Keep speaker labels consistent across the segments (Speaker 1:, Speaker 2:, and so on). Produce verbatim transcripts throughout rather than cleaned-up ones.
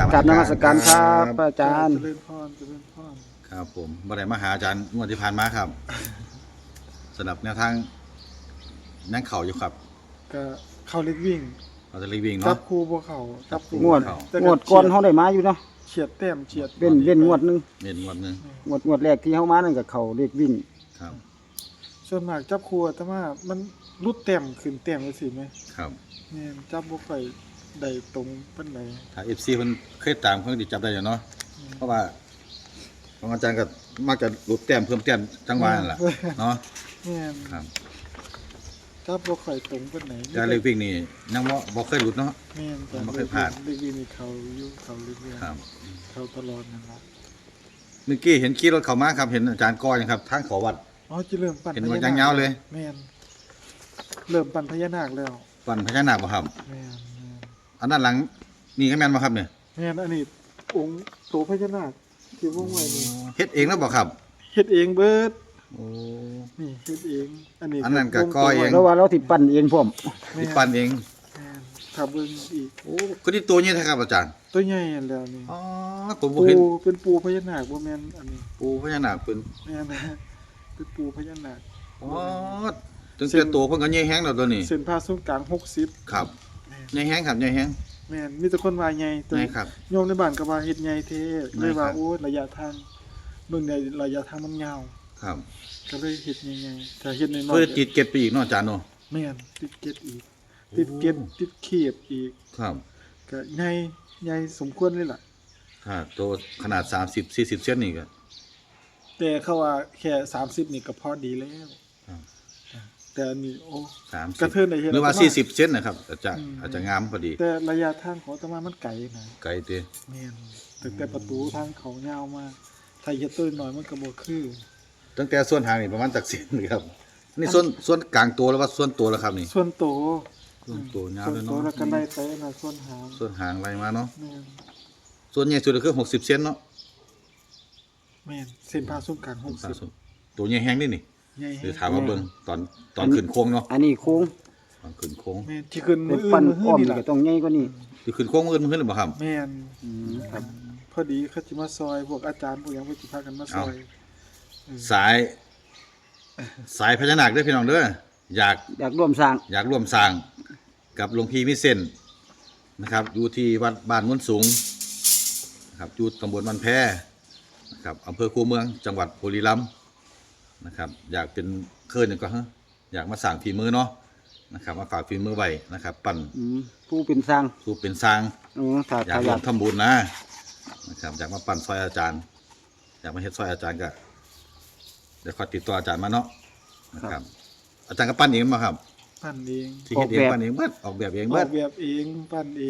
Speaker 1: กราบนมัสการครับอาจารย์
Speaker 2: เจริญพรเจริญพร
Speaker 3: ครับผมบ่ได้มาหาอาจารย์งวดที่ผ่านมาครับสำหรับแนวทางนั่งเข่าอยู่ครับ
Speaker 2: ก็เข้าเล็กวิ่ง
Speaker 3: เราจะรีวิ่ง
Speaker 2: จั
Speaker 3: เนาะ
Speaker 2: บคู่บ่เข้าจับคู่
Speaker 1: งวด
Speaker 2: แต่
Speaker 1: งวดก่อนเฮาได้มาอยู่เนาะ
Speaker 2: เฉียดแต้มเฉียด
Speaker 1: เว้นเว้นงวดหนึง
Speaker 3: เน้นงวดหนึง
Speaker 1: งวดงวดแรกที่เฮามานั่นก็เข้าเลขวิ่ง
Speaker 3: ครับ
Speaker 2: ส่วนมากจับคู่แต่ว่ามันรุดแต้มขึ้นแต้มจังซี่แหม
Speaker 3: ครับ
Speaker 2: แม่นจับบ่ค่อยได้ตรงปานใด
Speaker 3: ถ้า เอฟ ซี เพิ่นเคยตามเพิ่นสิจับได้อยู่เนาะเพราะว่าของอาจารย์ก็มักจะหลุดแต้มเพิ่มแต้มจังหวะนั่นล่ะเนาะ
Speaker 2: แม่น
Speaker 3: ครับ
Speaker 2: จับบ่ค่อยตรงปานใด
Speaker 3: อาจารย์เลขวิ่งนี่ยังบ่บ่เคยหลุดเนาะ
Speaker 2: แม่นแต่
Speaker 3: บ่เคยพลาด
Speaker 2: เล็กวิ่งนี่เขาอยู่เขาเรื่อย
Speaker 3: ครับ
Speaker 2: ๆเขาตลอดนั่นล่ะ
Speaker 3: เมื่อกี้เห็นขี่รถเข้ามาครับเห็นอาจารย์ก้อยครับทางเขาวัด
Speaker 2: อ๋อจิเริ่มปั่น
Speaker 3: เห็น
Speaker 2: พ
Speaker 3: ว่า
Speaker 2: ญานาค
Speaker 3: ยาวๆเลย
Speaker 2: แม่นเริ่มปั่นพญานาคแล้ว
Speaker 3: ปั่นพญานาคบ่ครับ
Speaker 2: แม่นแม่น
Speaker 3: อันด้านหลังนี่ก็แม่นบ่ครับเนี่ย
Speaker 2: แม่นอันนี้องค์โตพญานาคที่วงไว้นี่
Speaker 3: เฮ็ดเองแล้วบ่ครับ
Speaker 2: เฮ็ดเองเบิด
Speaker 3: โอ้
Speaker 2: นี่เฮ็ดเอง อันนี้
Speaker 3: อันนั้นก็
Speaker 2: ว
Speaker 3: ก้อยเอง
Speaker 1: แล้วว่าเราสิปั้นเองพร้อม
Speaker 2: แม่
Speaker 3: ที่ปั่นเอง
Speaker 2: แม่นถ้าเบิ่งอีก
Speaker 3: โอ้ก็ที่ตัวนี้แท้ครับอาจารย์
Speaker 2: ตัวใหญ่อันแล้วนี่
Speaker 3: อ๋อผมบ่
Speaker 2: ปู
Speaker 3: เห็น
Speaker 2: เป็นปูพญานาคบ่แม่นอันนี้
Speaker 3: ปูพญานาคเป็น
Speaker 2: แม่นนะเป็นปูพญานาค
Speaker 3: อ๋อถึงแต่ตัวเพิ่นก็ใหญ่แฮงแล้วตัวนี้
Speaker 2: เส้นผ่าศูนย์กลางหกสิบ
Speaker 3: ครับ
Speaker 2: แม่น
Speaker 3: ใหญ่แฮงครับใหญ่แฮง
Speaker 2: แม่นมีแต่คนว่าใหญ่แต่
Speaker 3: ใหญ่ครับ
Speaker 2: โยมในบ้านก็ว่าเฮ็ดใหญ่แท้เลยว่า
Speaker 3: ใหญ่ครับ
Speaker 2: โอ้ระยะทางเบิ่งได้ระยะทางมันยาว
Speaker 3: ครับ
Speaker 2: ก็เลยเฮ็ดใหญ่ๆถ้าเฮ็ดน้อยๆ
Speaker 3: เพื่อติดเก็บไปอีกเนาะอาจารย์เนาะ
Speaker 2: แม่นติดเกล็ดอีก ติดเกล็ดติดเขียบอีก
Speaker 3: ครับ
Speaker 2: ก็ใหญ่ใหญ่สมควรเลยล่ะ
Speaker 3: ถ้าตัวขนาดสามสิบ สี่สิบเซนนี่ก็
Speaker 2: แต่เขาว่าแค่สามสิบนี่ก็พอดีแล้ว
Speaker 3: ครับ
Speaker 2: แต่อันนี้โอ้
Speaker 3: สามสิบ
Speaker 2: กระเทินได้เห็น
Speaker 3: หรือว่า
Speaker 2: อาตมา
Speaker 3: สี่สิบเซนนะครับอาจจะ
Speaker 2: อืม
Speaker 3: อาจจะงามพอดี
Speaker 2: แต่ระยะทางของอาตมามันไกลนะ
Speaker 3: ไกลเด้
Speaker 2: แม่นตั้งแต่ประตูทางเขายาวมาถ้าเฮ็ดตัวน้อยมันก็บ่คือ
Speaker 3: ตั้งแต่ส่วนหางนี่ประมาณจักเซนนี่ครับนี่ส่วนส่วนกลางตัวแล้วว่าส่วนตัวแล้วครับนี่
Speaker 2: ส่วนโต
Speaker 3: ส่วนตัวยาว
Speaker 2: ส่วน
Speaker 3: เลย
Speaker 2: โต
Speaker 3: เนาะ
Speaker 2: แล้วก็ไล่ไปน่ะส่วนหาง
Speaker 3: ส่วนหางอะไรมาเนาะ
Speaker 2: แม่น
Speaker 3: ส่วนใหญ่สุดก็คือหกสิบเซนเนาะ
Speaker 2: แม่นเส้นผ่าศูนย์กลางหกสิบ
Speaker 3: ตัวใหญ่แฮงนี่นี่
Speaker 2: ใหญ่
Speaker 3: หรือถามว่าเบิ่งตอนตอนขึ้นโค้งเนาะ
Speaker 1: อันนี้โค้ง
Speaker 3: ตอนขึ้นโค้ง
Speaker 2: แม่นที่ขึ้น
Speaker 1: เป็
Speaker 2: มื้
Speaker 1: น
Speaker 2: ออื่
Speaker 1: ปั้น
Speaker 2: นมื้อ
Speaker 1: อ้อม
Speaker 2: นี่
Speaker 1: นี่
Speaker 2: ล่ะ
Speaker 1: ก็ต้องใหญ่กว่านี้
Speaker 3: ที่ขึ้นโค้งอื่นมันขึ้นหรือเปล่าครับ
Speaker 2: แม่น
Speaker 1: อืมครับ
Speaker 2: พอดีเขาสิมาซอยพวกอาจารย์พวกหยังเพิ่นสิพากันมาซอย
Speaker 3: สาย สายพญานาคเด้อพี่น้องเด้ออยาก
Speaker 1: อยากร่วมสร้าง
Speaker 3: อยากร่วมสร้างกับหลวงพี่มิเซนนะครับอยู่ที่วัดบ้านมุนสูงนะครับอยู่ตำบลมันแพนะครับอำเภอคูเมืองจังหวัดบุรีรัมย์นะครับอยากเป็นเคยหนึ่งก็ฮะอยากมาสั่งฝีมือเนาะนะครับมาฝากฝีมือไว้นะครับปั่น
Speaker 1: อืมผู้เป็นสร้าง
Speaker 3: สู้เป็นสร้าง
Speaker 1: อืมถ้า
Speaker 3: อยาก
Speaker 1: ถ้าอ
Speaker 3: ร่
Speaker 1: ยาว ก
Speaker 3: มทำบุญนะนะครับอยากมาปั่นซอยอาจารย์ อยากมาเฮ็ดซอยอาจารย์ก็เดี๋ยวขอติดต่ออาจารย์มาเนาะนะครับอาจารย์ก็ปั้นเองมาครับ
Speaker 2: ปั้นเอง
Speaker 3: ที่เฮ็ดเองปั้นเองเบิดออกแบบเอง
Speaker 2: อ
Speaker 3: เบิ
Speaker 2: อ
Speaker 3: ด
Speaker 2: กแบบเองปั้นเอง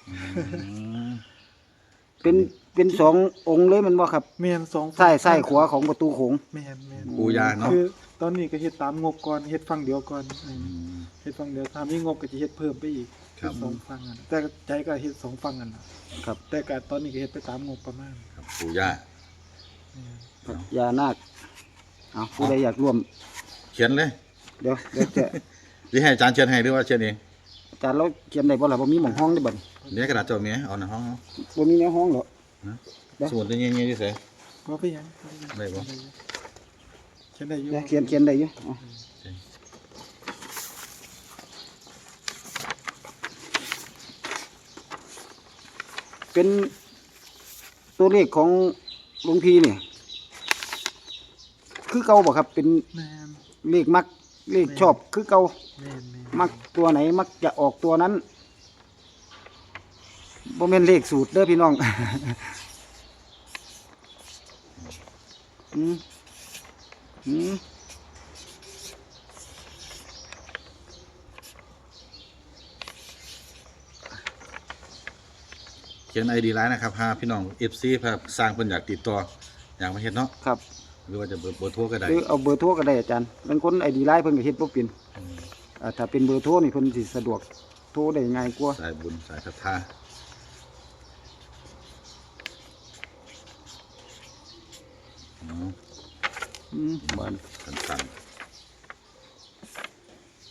Speaker 1: เป็นเป็นสององค์เลยแมันบ่ครับ
Speaker 2: แม่นสอง
Speaker 1: ซ้ายซ้ายขวาของประตูโขง
Speaker 2: แม่นแม่น
Speaker 3: ปูยาเนาะ
Speaker 2: คือตอนนี้ก็เฮ็ดตามงบก่อนเฮ็ดฝั่งเดียวก่อนอืมเฮ็ดฝั่งเดียวถ้ามีงบก็จะเฮ็ดเพิ่มไปอีก
Speaker 3: ครับ
Speaker 2: สองฝั่งอ่ะแต่ใจก็เฮ็ดสองฝั่งกันน่ะ
Speaker 1: ครับ
Speaker 2: แต่ก็ตอนนี้ก็เฮ็ดไปตามงบประมาณ
Speaker 3: ครับปู่ย่า
Speaker 2: แม่น
Speaker 1: ครับยานาคเอาผู้ใดอยากร่วม
Speaker 3: เขียนเลย
Speaker 1: เดี๋ยวเดี๋ยวจะ
Speaker 3: หรือให้อาจารย์เขียนให้หรือว่าเขียนเอง
Speaker 1: อาจารย์เราเขียนได้บ่ล่ะบ่มีหม่องห้องได้บัด
Speaker 3: เดี๋ยวกระดาษเจ้าเมียเอาในห้อง
Speaker 1: บ่มีแนวห้องเหรอ ได้
Speaker 3: สมุดตัวเงี้ยๆที่ใส่
Speaker 2: บ่ไปหยัง
Speaker 3: ได้บ่
Speaker 2: เขียนได้อยู่
Speaker 1: เดี๋ยวเขียนเขียนได้อยู่เอาเป็นตัวเลขของหลวงพี่เนี่ยคือเก่าบ่ครับ เป็น
Speaker 2: แม่น
Speaker 1: เลขมักเลขชอบคือเก่า
Speaker 2: แม่นแม่น
Speaker 1: มักตัวไหนมักจะออกตัวนั้นบ่แม่นเลขสูตรเด้อพี่น้อง อืมอืม
Speaker 3: เขียนไอดีไลน์นะครับพาพี่น้องเอฟซีพาสร้างเพิ่นอยากติดต่ออยากมาเฮ็ดเนาะ
Speaker 1: ครับ
Speaker 3: หรือว่าจะเบอร์เบอร์โทรก็ได้
Speaker 1: หรือเอาเบอร์โทรก็ได้อาจารย์บางคนไอดีไลน์เพิ่นก็เฮ็ดบ่เป็นอ่าถ้าเป็นเบอร์โทรนี่เพิ่นสิสะดวกโทรได้ง่ายกว่า
Speaker 3: สายบุญสายศรัทธาอ๋อ
Speaker 1: อืมบ้าน
Speaker 3: สั้น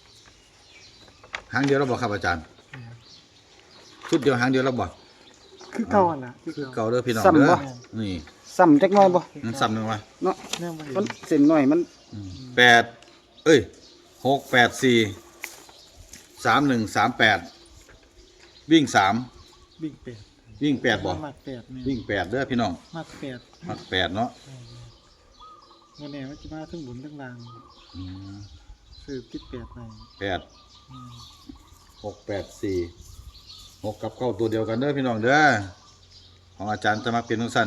Speaker 3: ๆหางเดียวเราบอกครับอาจารย์
Speaker 2: แม่น
Speaker 3: ชุดเดียวหางเดียวเราบอก
Speaker 2: คคือเก่าหั่นล่ะคือ
Speaker 3: คือ
Speaker 2: เก่า
Speaker 3: เก่าเด้อพี่น้อง
Speaker 1: ซ้ำ
Speaker 3: เด้
Speaker 1: บ่
Speaker 3: อนี่
Speaker 1: ซ้ำจักหน่อยบ่
Speaker 3: มันซ้ำหนึงวะ
Speaker 1: เนาะ
Speaker 2: แนวบ่เห็น
Speaker 1: มันเส้นน้อยมัน
Speaker 3: แปดเอ้ยหกแปดสี่สามหนึ่งสามแปดวิ่งสาม
Speaker 2: วิ่งแปด
Speaker 3: วิ่งแปดบ่
Speaker 2: มักแปดแม่น
Speaker 3: วิ่งแปดเด้อพี่น้อง
Speaker 2: มักแปด
Speaker 3: มักแปดเนาะ
Speaker 2: บ่แน่ว่าสิมาถึงบนถึงล่าง
Speaker 3: อืม
Speaker 2: ซื้อติดแปดไป
Speaker 3: แปด
Speaker 2: อืม
Speaker 3: หกแปดสี่หกกับเก้าตัวเดียวกันเด้อพี่น้องเด้อของอาจารย์จะมาเป็นทั้งสั้น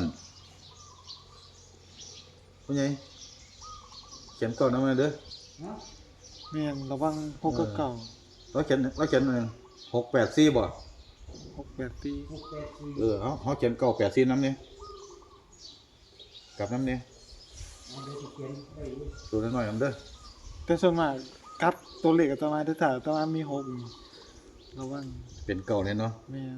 Speaker 3: ผู้ใหญ่เขียนเก้าน้ำมันเด้อ
Speaker 2: แม่นระวังหกกับเก่า
Speaker 3: เราเขียนเราเขียนหนึ่งหกแปดสี่บ่
Speaker 2: หกแปดปี
Speaker 3: เออเอาเขาเขียนเก้าแปดสี่น้ำเนี่ยกลับน้ำเนี่ยตัวน้อยๆน้ำเด้อ
Speaker 2: แต่ส่วนมากกลับตัวเลขอาตมาถ้าอาตมามีหกระวัง
Speaker 3: เป็นเก้าเนี่ยเนาะ
Speaker 2: แม่น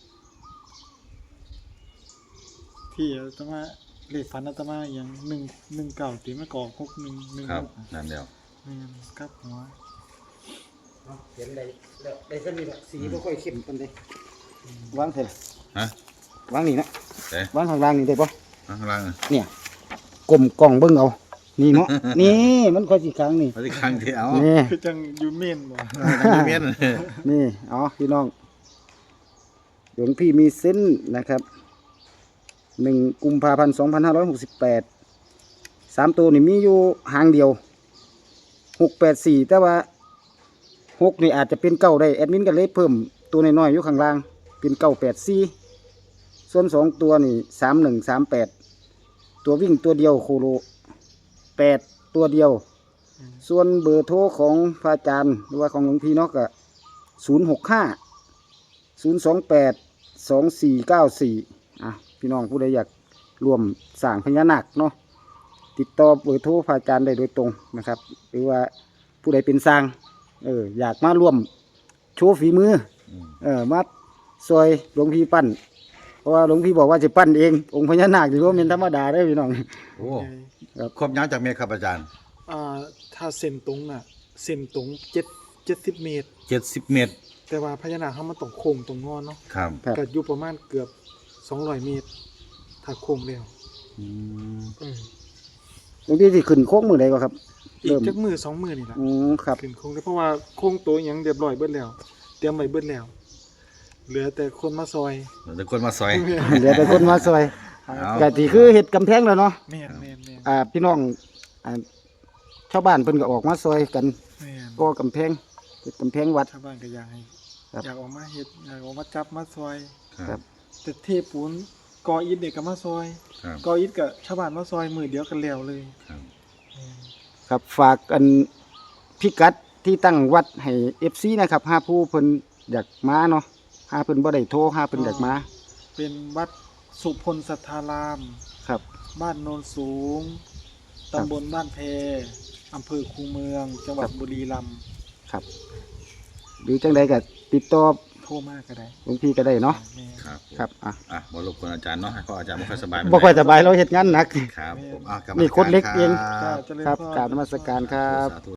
Speaker 2: ที่อาตมาเลขฝันอาตมาอย่างหนึ่งหนึ่งเก่าตีมะกอกหกหนึ่งหนึ่ง
Speaker 3: ครับ
Speaker 2: หก
Speaker 3: นั่นเดียว
Speaker 2: แม่นกลับหัว
Speaker 1: เขียนได้แล้วได้ซะนี่ล่ะสีบ่ค่อยเข้มปานใดวางเท่าล่ะ
Speaker 3: ฮะ
Speaker 1: วางนี่นะ
Speaker 3: เอ๊ะ
Speaker 1: วางข้างล่างนี่ได้บ่
Speaker 3: ข้างล่างน่ะ
Speaker 1: เนี่ยกลมกล่องเบิ่งเอานี่เนาะ นี่มันค่อยสิค้างนี่
Speaker 3: มาที่ข้างที่เอา
Speaker 1: นี่
Speaker 2: คือจังอยูเมนบ่
Speaker 3: อยู่เมียน
Speaker 1: นี่อ๋อพี่น้องหลวงพี่มีเส้นนะครับหนึ่งกุมภาพันธ์สองพันห้าร้อยหกสิบแปดสามตัวนี่มีอยู่หางเดียวหกแปดสี่แต่ว่าหกนี่อาจจะเป็นเก้าได้แอดมินก็เลยเพิ่มตัวน้อยๆอยู่ข้างล่างเป็นเก้าแปดสี่ส่วนสองตัวนี่สามหนึ่งสามแปดตัววิ่งตัวเดียวโคโลแปดตัวเดียว ส่วนเบอร์โทรของพระอาจารย์หรือว่าของหลวงพี่เนาะก็ศูนย์หกห้าศูนย์สองแปดสองสี่เก้าสี่อ่ะพี่น้องผู้ใดอยากร่วมสร้างพญานาคเนาะติดต่อเบอร์โทรพระอาจารย์ได้โดยตรงนะครับ หรือว่าผู้ใดเป็นสร้างเอออยากมาร่วมโชว์ฝีมือเออมาซอยหลวงพี่ปั้นเพราะว่าหลวงพี่บอกว่าจะปั้นเององค์พญานาคถือว่าเป็นธรรมดาได้อพี่น้อง
Speaker 3: โอ้ครบยาวจากเมตรครับอาจารย์
Speaker 2: อ่าถ้าเส้นตรงน่ะเส้นตรงเจ็ดเจ็ดสิบเมตร
Speaker 3: เจ็ดสิบเมตร
Speaker 2: แต่ว่าพญานาคเขามันต้องโค้งตรงงอนเนาะ
Speaker 3: ครับ
Speaker 1: ครับ
Speaker 2: ก็อยู่ประมาณเกือบสองร้อยเมตร ถ้าโค้งแล้ว
Speaker 3: อืม
Speaker 2: อืม
Speaker 1: หลวงพี่สิขึ้นโค้งมือใดก็ครับ
Speaker 2: อี
Speaker 1: เริ่
Speaker 2: ก
Speaker 1: ม
Speaker 2: จักมือสองมือนี่แหละ
Speaker 1: อืมครับ
Speaker 2: ขึ้นโค้งได้เพราะว่าโค้งตัวหยังเรียบร้อยเบิดแล้ว เตรียมไว้เบิดแล้ว เหลือแต่คนมาซอย
Speaker 3: เดี๋ยวคนมาซอย
Speaker 1: เหลือแต่คนมาซอย
Speaker 3: เอา
Speaker 1: กะที่คือเห็ดกำแพงแล้วเนาะ
Speaker 2: แม่นแม่นแม่น
Speaker 1: อ่าพี่น้องอ่าชาวบ้านเพิ่นก็ออกมาซอยกัน
Speaker 2: แม่น
Speaker 1: ก็กำแพงเฮ็ดกำแพงวัด
Speaker 2: ชาวบ้านก็อยากให้
Speaker 1: ครับ
Speaker 2: อยากออกมาเฮ็ดอยากออกมาจับมาซอย
Speaker 3: ครับ
Speaker 2: แต่เทปูนกออิฐเนี่ยก็มาซอย
Speaker 3: ครับ
Speaker 2: กออิฐกับชาวบ้านมาซอยมือเดียวกันแล้วเลย
Speaker 3: ครับ
Speaker 2: แม่น
Speaker 1: ครับฝากอันพิกัดที่ตั้งวัดให้ เอฟ ซี นะครับหาผู้เพิ่นอยากมาเนาะหาเพิ่นบ่ได้โทรหาเพิ่นอยากมา
Speaker 2: เป็นวัดสุพลสัทธาราม
Speaker 1: ครับ
Speaker 2: บ้านโนนสูง ตำบลบ้านแพอำเภอคูเมือง จังหวัดบุรีรัมย์
Speaker 1: ครับ หรือจังใดก็ติดต่อ
Speaker 2: โทรมากก็ได้
Speaker 1: หลวงพี่ก็ได้เนาะ
Speaker 2: แม่
Speaker 3: ครับผม
Speaker 1: ครับอ่ะ
Speaker 3: อ่ะบรบกวนอาจารย์เนาะให้เพราะอาจารย์ไม่ค่อยสบาย
Speaker 1: บ่ค่อยสบายเราเฮ็ดงานหนัก
Speaker 3: ครับผมอ่ะกลับ
Speaker 1: นี่คนเล็กเอง
Speaker 3: ค
Speaker 2: ก็
Speaker 3: รับ
Speaker 2: เจริญ
Speaker 1: ครับ
Speaker 2: พ
Speaker 1: กราบนมัสการครับ
Speaker 3: สาธุ